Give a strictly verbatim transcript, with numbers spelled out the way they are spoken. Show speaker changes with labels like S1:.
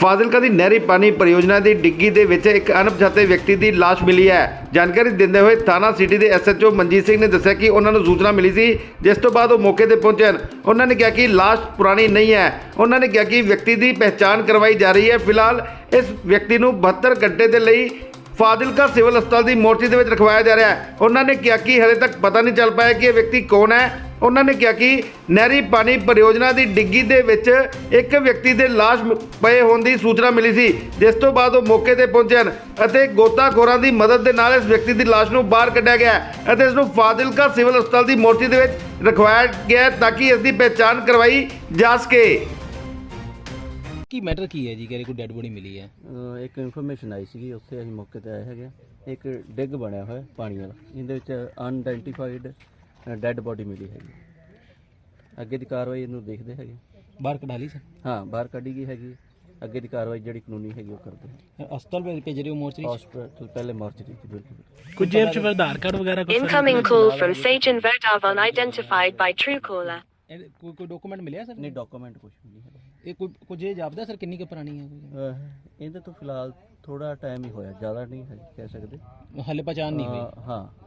S1: ਫਾਜ਼ਿਲਕਾ ਦੀ ਨਹਿਰੀ ਪਾਣੀ ਪਰਿਯੋਜਨਾ ਦੀ ਡਿੱਗੀ ਦੇ ਵਿੱਚ ਇੱਕ ਅਣਪਛਾਤੇ ਵਿਅਕਤੀ ਦੀ ਲਾਸ਼ ਮਿਲੀ ਹੈ। ਜਾਣਕਾਰੀ ਦਿੰਦੇ ਹੋਏ ਥਾਣਾ ਸਿਟੀ ਦੇ S H O Manjit Singh ਨੇ ਦੱਸਿਆ ਕਿ ਉਹਨਾਂ ਨੂੰ ਸੂਚਨਾ ਮਿਲੀ ਸੀ, ਜਿਸ ਤੋਂ ਬਾਅਦ ਉਹ ਮੌਕੇ ਤੇ ਪਹੁੰਚੇ ਹਨ। ਉਹਨਾਂ ਨੇ ਕਿਹਾ ਕਿ ਲਾਸ਼ ਪੁਰਾਣੀ ਨਹੀਂ ਹੈ। ਉਹਨਾਂ ਨੇ ਕਿਹਾ ਕਿ ਵਿਅਕਤੀ ਦੀ ਪਹਿਚਾਣ ਕਰਵਾਈ ਜਾ ਰਹੀ ਹੈ। ਫਿਲਹਾਲ ਇਸ ਵਿਅਕਤੀ ਨੂੰ ਬਹੱਤਰ ਘੰਟੇ ਦੇ ਲਈ ਫਾਜ਼ਿਲਕਾ ਸਿਵਲ ਹਸਪਤਾਲ ਦੀ ਮੋਰਚੀ ਦੇ ਵਿੱਚ ਰਖਵਾਇਆ ਜਾ ਰਿਹਾ ਹੈ। ਉਹਨਾਂ ਨੇ ਕਿਹਾ ਕਿ ਹਲੇ ਤੱਕ ਪਤਾ ਨਹੀਂ ਚੱਲ ਪਾਇਆ ਕਿ ਇਹ ਵਿਅਕਤੀ ਕੌਣ ਹੈ। ਉਹਨਾਂ ਨੇ ਕਿਹਾ ਕਿ ਨਹਿਰੀ ਪਾਣੀ ਪਰਿਯੋਜਨਾ ਦੀ ਡਿੱਗੀ ਦੇ ਵਿੱਚ ਇੱਕ ਵਿਅਕਤੀ ਦੇ ਲਾਸ਼ ਪਏ ਹੋਣ ਦੀ ਸੂਚਨਾ ਮਿਲੀ ਸੀ, ਜਿਸ ਤੋਂ ਬਾਅਦ ਉਹ ਮੌਕੇ ਤੇ ਪਹੁੰਚੇ ਹਨ ਅਤੇ ਗੋਤਾਖੋਰਾਂ ਦੀ ਮਦਦ ਦੇ ਨਾਲ ਇਸ ਵਿਅਕਤੀ ਦੀ ਲਾਸ਼ ਨੂੰ ਬਾਹਰ ਕੱਢਿਆ ਗਿਆ ਅਤੇ ਇਸ ਨੂੰ ਫਾਜ਼ਿਲਕਾ ਸਿਵਲ ਹਸਪਤਾਲ ਦੀ ਮੋਰਚੀ ਦੇ ਵਿੱਚ ਰਖਵਾਇਆ ਗਿਆ ਤਾਂ ਕਿ ਇਸ ਦੀ ਪਹਿਚਾਣ ਕਰਵਾਈ ਜਾ ਸਕੇ।
S2: ਕੀ ਮੈਟਰ ਕੀ ਹੈ ਜੀ? ਕਿ ਕੋਈ ਡੈੱਡ ਬੋਡੀ ਮਿਲੀ ਹੈ?
S3: ਅਹ ਇੱਕ ਇਨਫੋਰਮੇਸ਼ਨ ਆਈ ਸੀਗੀ, ਉੱਥੇ ਅਸੀਂ ਮੌਕੇ ਤੇ ਆਏ ਹੈਗੇ। ਇੱਕ ਡਿੱਗ ਬਣਿਆ ਹੋਇਆ ਪਾਣੀ ਵਾਲਾ, ਇਹਦੇ ਵਿੱਚ ਅਨਆਇਡੈਂਟੀਫਾਈਡ ਡੈੱਡ ਬੋਡੀ ਮਿਲੀ ਹੈਗੀ। ਅੱਗੇ ਦੀ ਕਾਰਵਾਈ ਇਹਨੂੰ ਦੇਖਦੇ ਹੈਗੇ।
S2: ਬਾਹਰ ਕਢਾ ਲਈ ਸਰ?
S3: ਹਾਂ, ਬਾਹਰ ਕੱਢੀ ਗਈ ਹੈਗੀ। ਅੱਗੇ ਦੀ ਕਾਰਵਾਈ ਜਿਹੜੀ ਕਾਨੂੰਨੀ ਹੈਗੀ ਉਹ ਕਰਦੇ ਹਾਂ।
S2: ਹਸਪਤਾਲ ਭੇਜ ਭੇਜ ਰਹੇ ਹੋ ਮੋਰਚਰੀ?
S3: ਹਸਪਤਾਲ ਪਹਿਲੇ ਮੋਰਚਰੀ ਚ ਬਿਲਕੁਲ।
S2: ਕੁਝ ਜੇਬ ਚ ਆਧਾਰ ਕਾਰਡ ਵਗੈਰਾ ਕੁਝ?
S4: Incoming call from Sajan Verdav unidentified by Truecaller.
S2: ਕੋਈ ਕੋਈ ਡਾਕੂਮੈਂਟ ਮਿਲਿਆ ਸਰ?
S3: ਨਹੀਂ, ਡਾਕੂਮੈਂਟ ਕੁਝ ਵੀ ਨਹੀਂ ਹੈਗਾ।
S2: ਇਹ ਕੋਈ ਕੁਝ ਇਹ ਜਾਪਦਾ ਸਰ ਕਿੰਨੀ ਕੁ ਪੁਰਾਣੀ ਹੈ?
S3: ਅਹ ਇਹਦੇ ਤੋਂ ਫਿਲਹਾਲ ਥੋੜਾ ਟਾਈਮ ਹੀ ਹੋਇਆ, ਜ਼ਿਆਦਾ ਨਹੀਂ ਹੈ ਕਹਿ ਸਕਦੇ।
S2: ਹਾਲੇ ਪਛਾਣ ਨਹੀਂ ਹੋਈ?
S3: ਅਹ ਹਾਂ।